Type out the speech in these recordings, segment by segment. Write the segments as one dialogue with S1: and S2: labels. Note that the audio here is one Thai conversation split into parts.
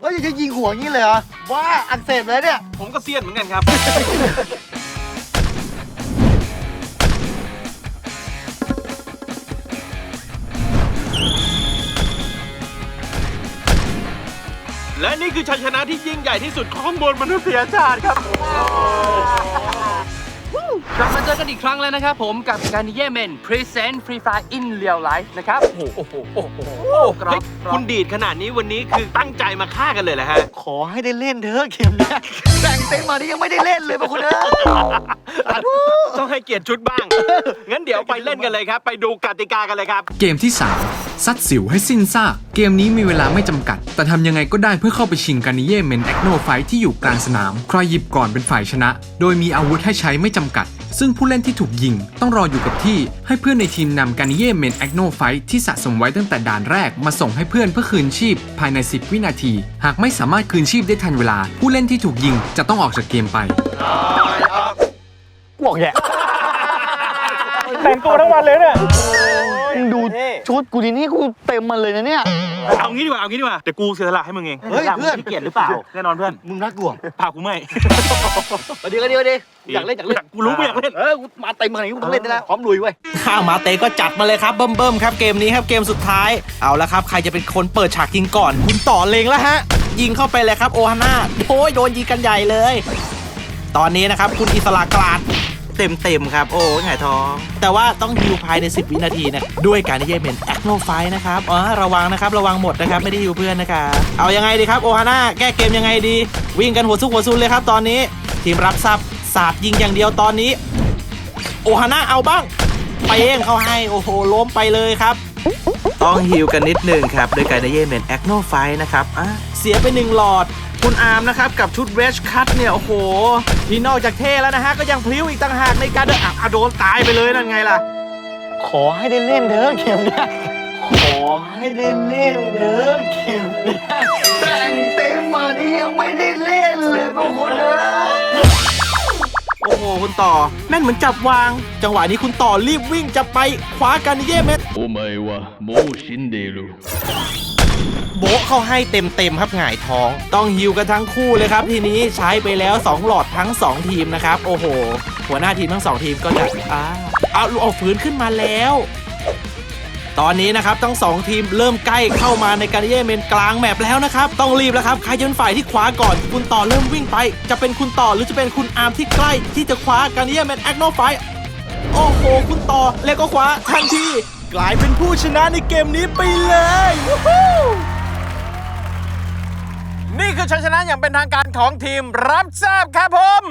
S1: เฮ้ยจะยิงหัวงี้เลยเหรอว่าอักเสบเลยเนี่ย
S2: ผมก็เซียนเหมือนกันครับ และนี่คือชัยชนะที่ยิ่งใหญ่ที่สุดของมวลมนุษยชาติครับ
S3: กลับมาเจอกันอีกครั้งแล้วนะครับผมกับการนิเย่เมน Present Free Fire in Real Life นะครับโอ้โหครับ
S2: คุณดีดขนาดนี้วันนี้คือตั้งใจมาฆ่ากันเลยแหละฮะ
S1: ขอให้ได้เล่นเถอะเกมเนี้ยแต่งเต็มมานี่ยังไม่ได้เล่นเลยพวกคุณเอ้ย
S2: ต้องให้เกียรติชุดบ้าง งั้นเดี๋ยวไปเล่นกันเลยครับ ไปดูกติกากันเลยครับ
S4: เกมที่ 3 ซัดสิวให้สิ้นซากเกมนี้มีเวลาไม่จำกัด แต่ทำยังไงก็ได้เพื่อเข้าไปชิงการนิเย่เมนแอคโนไฟที่อยู่กลางสนามใครหยิบก่อนเป็นฝ่ายชนะ โดยมีอาวุธให้ใช้ไม่จำกัด ซึ่งผู้เล่นที่ถูกยิงต้องรออยู่กับที่ให้เพื่อนในทีมนำการนิเย่เมนแอคโนไฟที่สะสมไว้ตั้งแต่ด่านแรกมาส่งให้เพื่อนเพื่อคืนชีพภายใน10 วินาทีหากไม่สามารถคืนชีพได้ทันเวลา ผู้เล่นที่ถูกยิงจะต้องออกจากเกมไป
S1: บอกแย่
S2: แต่งตัวทั้งวันเลยเนี่ย
S1: ดูชุดกูดีนี่กูเต็มมันเลยนะเนี่ย
S2: เอางี้ดีกว่าเดี๋ยวกูเสียสละให้มึงเอง
S1: เฮ้ยเพื่อน
S2: ขี้เกียจหรือเปล่า แน่นอนเพื่อน
S1: มึงรักกูเหรอ
S2: พากูไม่
S1: ดีอยากเล่น
S2: กูรู้กูอยากเล่น
S1: กูมาเต็มขนาดนี้กูต้องเล่นได้แล้วพร้อมลุยเว้ย
S5: ข้าวมาเตะก็จัดมาเลยครับเบิ่มครับเกมนี้ครับเกมสุดท้ายเอาละครับใครจะเป็นคนเปิดฉากยิงก่อนคุณต่อเลงแล้วฮะยิงเข้าไปเลยครับโอฮาน่าโอ้ยโดนยิงกันใหญ่เลย ตอนนี้นะครับคุณอิสระกลาดเต็มครับโอ้ยหงายท้องแต่ว่าต้องฮิวภายใน10 วินาทีนะด้วยการที่จะเป็นแอคโนไฟนะครับระวังนะครับระวังหมดนะครับไม่ได้ฮิวเพื่อนนะครับเอายังไงดีครับโอฮาน่าแก้เกมยังไงดีวิ่งกันหัวซุกหัวซุนเลยครับตอนนี้ทีมรับทรัพย์สาดยิงอย่างเดียวตอนนี้โอฮาน่าเอาบ้างไปเองเขาให้โอ้โหล้มไปเลยครับต้องฮิวกันนิดนึงครับโดยการได้เย่เมนแอคโนไฟนะครับเสียไป1หลอดคุณอาร์มนะครับกับชุดเรชคัทเนี่ยโอ้โหที่นอกจากเท่แล้วนะฮะก็ยังพลิ้วอีกต่างหากในการเดินโดนตายไปเลยนั่นไงล่ะ
S1: ขอให้ได้เล่นเถอะเกมเนี้ยขอให้ได้เล่นเถอะเกมเนี้ยแต่งเต็มมานี่ยังไม่ได้เล่นเลยพวกคุณเอ้ย
S5: โอ้โหคุณต่อแม่นเหมือนจับวาง จังหวะนี้คุณต่อรีบวิ่งจะไปคว้ากันเย่เม็ด
S6: お前はもう死んでいる。
S5: โบะเข้าให้เต็มครับหงายท้อง ต้องฮิวกันทั้งคู่เลยครับทีนี้ใช้ไปแล้ว2หลอดทั้ง2ทีมนะครับโอ้โหหัวหน้าทีมทั้ง2ทีมก็จะเอาฝืนขึ้นมาแล้ว ตอนนี้นะครับทั้ง2ทีมเริ่มใกล้เข้ามาในการเย่เมนกลางแมปแล้วนะครับต้องรีบแล้วครับใครจะเป็นฝ่ายที่คว้าก่อนคุณต่อเริ่มวิ่งไปจะเป็นคุณต่อหรือจะเป็นคุณอาร์มที่ใกล้ที่จะคว้าการเย่เมนแอคโนไฟโอ้โหคุณต่อแล้วก็คว้าทันทีกลายเป็นผู้ชนะในเกมนี้ไปเลย
S2: นี่คือชัยชนะอย่างเป็นทางการของทีมรับทราบครับผม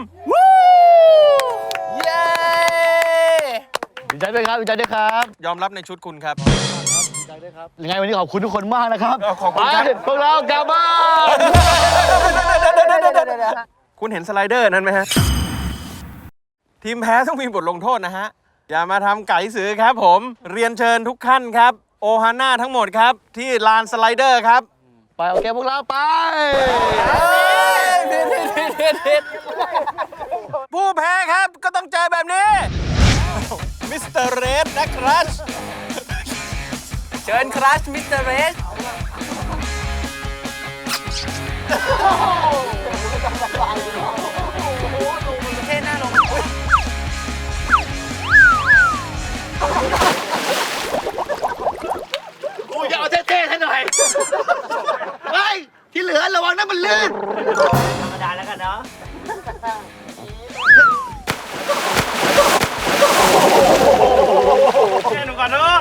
S2: เย้
S1: ดีใจด้วยครับดีใจด้วยครับ
S2: ยอมรับในชุดคุณครับ
S1: ดีใจด้วยครับยังไงวันนี้ขอบคุณทุกคนมากนะครับ
S2: ขอบคุณครับ
S1: ไปพวกเรากลับบ้าน
S2: คุณเห็นสไลเดอร์นั้นไหมฮะ ทีมแพ้ต้องมีบทลงโทษนะฮะ อย่ามาทำไก่สือครับผม เรียนเชิญทุกท่านครับ โอฮาน่าทั้งหมดครับ ที่ลานสไลเดอร์ครับ
S1: ไปโอเคพวกเราไป
S2: ผู้แพ้ครับก็ต้องเจอแบบนี้ มิสเตอร์เรดนะครัช
S3: เชิญครัชมิสเตอร์เรส
S1: กูจะเอาเท่ๆให้หน่อยเฮ้ยที่เหลือระวังนะมันลื่น
S3: ธรรมดาแล้วกันเนาะ
S2: แค่หนูก่อนเนอะ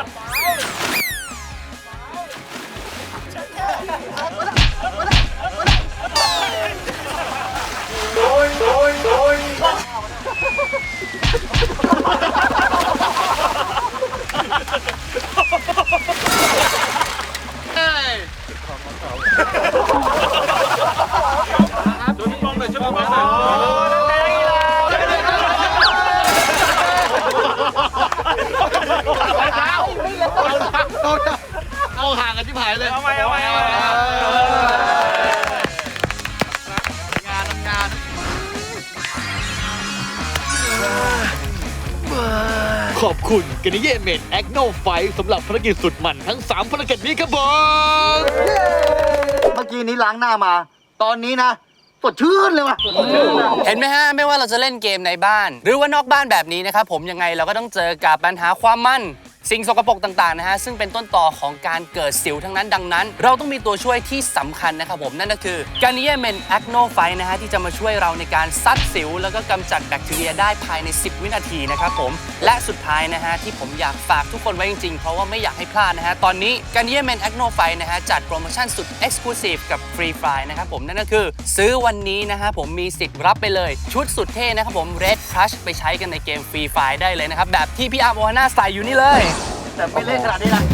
S1: เอาห่างกันที่ผายเลย
S2: เอาไป
S1: งานขอบคุณกันนิเย่เมนแอคโนไฟสำหรับภารกิจสุดมันทั้ง3ภารกิจนี้ครับผมมื่อกี้นี้ล้างหน้ามา ตอนนี้นะสดชื่นเลยว่ะ
S3: เห็นไหมฮะ ไม่ว่าเราจะเล่นเกมในบ้าน หรือว่านอกบ้านแบบนี้นะครับผมยังไงเราก็ต้องเจอกับปัญหาความมั่น สิ่งสกปรกต่างๆนะฮะซึ่งเป็นต้นตอของการเกิดสิวทั้งนั้นดังนั้น เราต้องมีตัวช่วยที่สำคัญนะครับผมนั่นก็คือ Garnier Men Acno Fight นะฮะที่จะมาช่วยเราในการซัดสิวแล้วก็กำจัดแบคทีเรียได้ภายใน 10 วินาทีนะครับผมและสุดท้ายนะฮะที่ผมอยากฝากทุกคนไว้จริงๆเพราะว่าไม่อยากให้พลาดนะฮะตอนนี้ Garnier Men Acno Fight นะฮะจัดโปรโมชั่นสุด Exclusive กับ Free Fry นะครับผมนั่นก็คือซื้อวันนี้นะฮะผมมีสิทธิ์รับไปเลยชุดสุดเท่นะครับผม Red Crush ไปใช้กันในเกม Free Fire ได้เลยนะครับแบบที่พี่อาร์มโอฮาน่าใส่อยู่นี่เลย
S1: แต่ไม่เล่นขนาดนี้นะ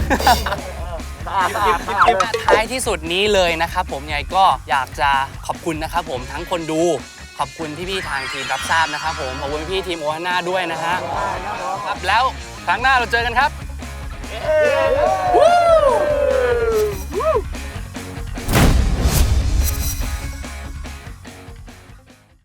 S3: ท้ายที่สุดนี้เลยนะครับผมยังไงก็อยากจะขอบคุณนะครับผมทั้งคนดูขอบคุณพี่ๆทางทีมรับทราบนะครับผมขอบคุณพี่ทีมโอฮาน่าด้วยนะฮะครับแล้วครั้งหน้าเราเจอกันครับ